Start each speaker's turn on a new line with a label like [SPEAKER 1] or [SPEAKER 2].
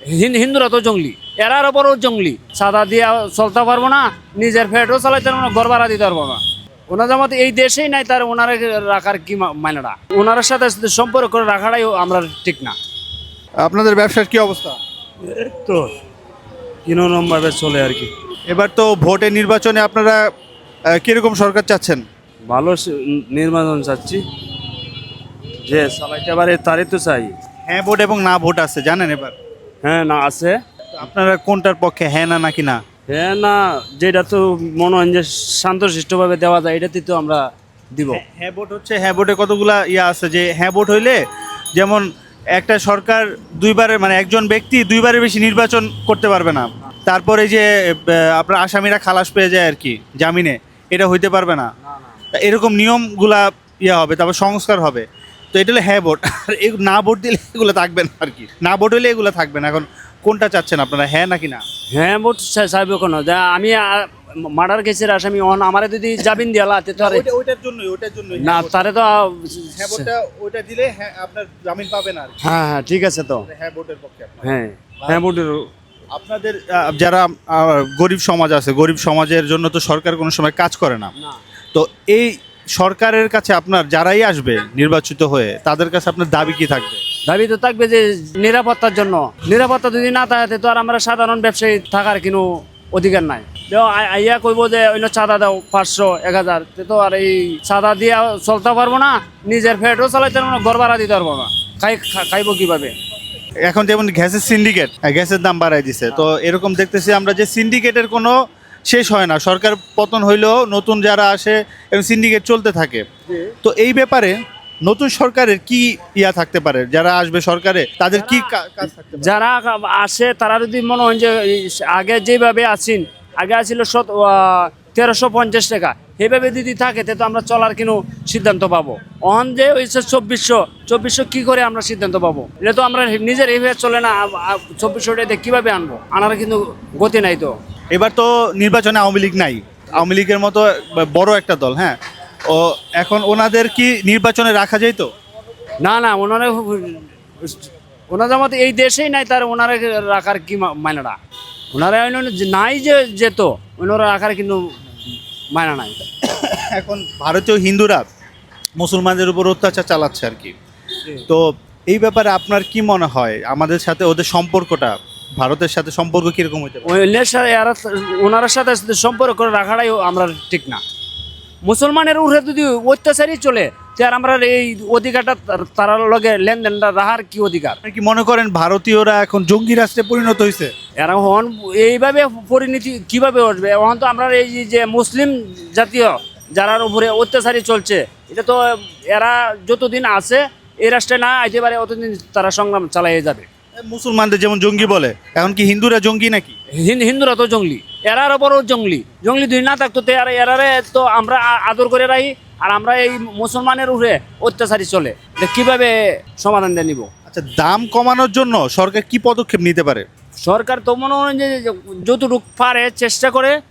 [SPEAKER 1] হিন্দুরা তো জঙ্গলি, এরার বড় জঙ্গলি। সাদা দিয়ে চলতে পারবো না, নিজের পেটও চালাইতে পারবো না, ঘর ভাড়া দিতে পারবো না। ওনার জামাত এই দেশেই নাই, তার ওনারা রাখার কি মানেটা? ওনার সাথে সম্পর্ক করে রাখাটাই আমরা ঠিক না।
[SPEAKER 2] আপনাদের ব্যবসার কি অবস্থা?
[SPEAKER 1] তো কিরকম ভাবে চলে আর কি।
[SPEAKER 2] এবার তো ভোটের নির্বাচনে আপনারা কিরকম সরকার চাচ্ছেন?
[SPEAKER 1] ভালো নির্বাচন চাচ্ছি, যে চালাইতে পারে তারই তো চাই।
[SPEAKER 2] হ্যাঁ ভোট এবং না ভোট আছে জানেন এবার?
[SPEAKER 1] হ্যাঁ না আছে,
[SPEAKER 2] তো আপনারা কোনটার পক্ষে, হ্যাঁ না নাকি না?
[SPEAKER 1] হ্যাঁ না, যেটা তো মনে হয় যে শান্তশিষ্টভাবে দেওয়া যায়, এটাতে তো আমরা দিব।
[SPEAKER 2] হ্যাঁ ভোট হচ্ছে, হ্যাঁ ভোটে কতগুলা ইয়া আছে যে হ্যাঁ ভোট হইলে যেমন একটা সরকার দুইবারের মানে একজন ব্যক্তি দুইবারের বেশি নির্বাচন করতে পারবে না। তারপরে যে আপনার আসামিরা খালাস পেয়ে যায় আর কি জামিনে, এটা হইতে পারবে না। তা এরকম নিয়মগুলা ইয়া হবে, তারপর সংস্কার হবে। তো এটা হলো হ্যাঁ ভোট। আর না ভোট দিলে এগুলো থাকবে না আর কি, না ভোট হইলে এগুলো থাকবে না। এখন কোনটা চাচ্ছেন আপনারা, হ্যাঁ নাকি না?
[SPEAKER 1] হ্যাঁ ভোট চাইব কোনো, আমি মার্ডার কেসের আসামি আমারে যদি জামিন দিয়ালা তো আর
[SPEAKER 2] ওইটার জন্যই
[SPEAKER 1] না, তারে তো
[SPEAKER 2] হ্যাঁ ভোটটা ওইটা দিলে হ্যাঁ আপনার জামিন পাবেন আর কি।
[SPEAKER 1] হ্যাঁ হ্যাঁ ঠিক আছে তো।
[SPEAKER 2] হ্যাঁ ভোটের পক্ষে আপনারা।
[SPEAKER 1] হ্যাঁ হ্যাঁ ভোটের
[SPEAKER 2] আপনাদের যারা গরিব সমাজ আছে, গরিব সমাজের জন্য তো সরকার কোনো সময় কাজ করে না। তো এই সরকারের কাছে আপনার যারাই আসবে নির্বাচিত হয়ে, তাদের কাছে আপনার দাবি কি থাকবে?
[SPEAKER 1] দাবি তো থাকবে যে নিরাপত্তার জন্য। নিরাপত্তা যদি না থাকে তো আর আমরা সাধারণ ব্যবসায়ী থাকার কোনো অধিকার নাই। আইয়া কইব যে অন্য চাঁদা দাও 500 1000, তো আর এই চাঁদা দিয়ে চলতে পারবো না, নিজের পেটও চালাইতে পারবো না, ঘর ভাড়া দিতে পারবো না। খাইবো কিভাবে?
[SPEAKER 2] এখন যেমন গ্যাসের সিন্ডিকেট, গ্যাসের দাম বাড়াই দিছে। তো এরকম দেখতেছি আমরা যে সিন্ডিকেটের কোনো শেষ হয় না। সরকার পতন হইলেও নতুন যারা আসে এবং সিন্ডিকেট চলতে থাকে। তো এই ব্যাপারে নতুন সরকারের কি ইয়া থাকতে পারে, যারা আসবে সরকারে তাদের কি কাজ থাকতে পারে?
[SPEAKER 1] যারা আসে তারা যদি মনে হয় যে আগে যেভাবে আছেন, আগে আছিল 1350 টাকা, সেইভাবে যদি থাকে তো আমরা চলার কোনো সিদ্ধান্ত পাবো। অহন যে হয়েছে 2400 কি করে আমরা সিদ্ধান্ত পাবো? এটা তো আমরা নিজের এইভাবে চলে না। 2400 টাকা কীভাবে আনবো? আনার কিন্তু গতি নাই তো।
[SPEAKER 2] এবার তো নির্বাচনে আওয়ামী লীগ নাই, আওয়ামী লীগের মতো বড় একটা দল। হ্যাঁ, ও এখন ওনাদের কি নির্বাচনে রাখা যায় তো?
[SPEAKER 1] না না, ওনার জামাত এই দেশেই নাই, তার ওনারা রাখার কি মানেটা? ওনারা নাই যে যেত, ওনারা রাখার কিন্তু মানা নাই।
[SPEAKER 2] এখন ভারতীয় হিন্দুরা মুসলমানদের উপর অত্যাচার চালাচ্ছে আর কি। তো এই ব্যাপারে আপনার কি মনে হয়, আমাদের সাথে ওদের সম্পর্কটা, ভারতের সাথে সম্পর্ক কিরকম হতে পারে?
[SPEAKER 1] ওনার সাথে সম্পর্ক করে রাখাটাই আমরা ঠিক না। মুসলমানের উপরে যদি অত্যাচারই চলে, আর আমরা এই অধিকারটা তার লগে লেনদেনটা রাখার কি অধিকার?
[SPEAKER 2] আপনি কি মনে করেন ভারতীয়রা এখন জঙ্গি রাষ্ট্রে পরিণত হয়েছে?
[SPEAKER 1] এরা হন এইভাবে পরিণতি কিভাবে আসবে? এখন তো আমরা এই যে মুসলিম জাতীয় যারার উপরে অত্যাচারই চলছে, এটা তো এরা যতদিন আছে এই রাষ্ট্রে না আইতে পারে, অতদিন তারা সংগ্রাম চালিয়ে যাবে।
[SPEAKER 2] মুসলমানদের যেমন জঙ্গি বলে, এখন কি হিন্দুরা জঙ্গি নাকি?
[SPEAKER 1] হিন্দুরা তো জঙ্গলি, এরারও বড় জঙ্গলি। জঙ্গলি দুই না থাকতো তো এরারে তো আমরা আদর করে রাখি, আর আমরা এই মুসলমানের উপরে অত্যাচারী চলে, এটা কিভাবে সমাধান দিয়ে নিব?
[SPEAKER 2] আচ্ছা, দাম কমানোর জন্য সরকার কি পদক্ষেপ নিতে পারে?
[SPEAKER 1] সরকার তো মনে হয় যে যতটুকু পারে চেষ্টা করে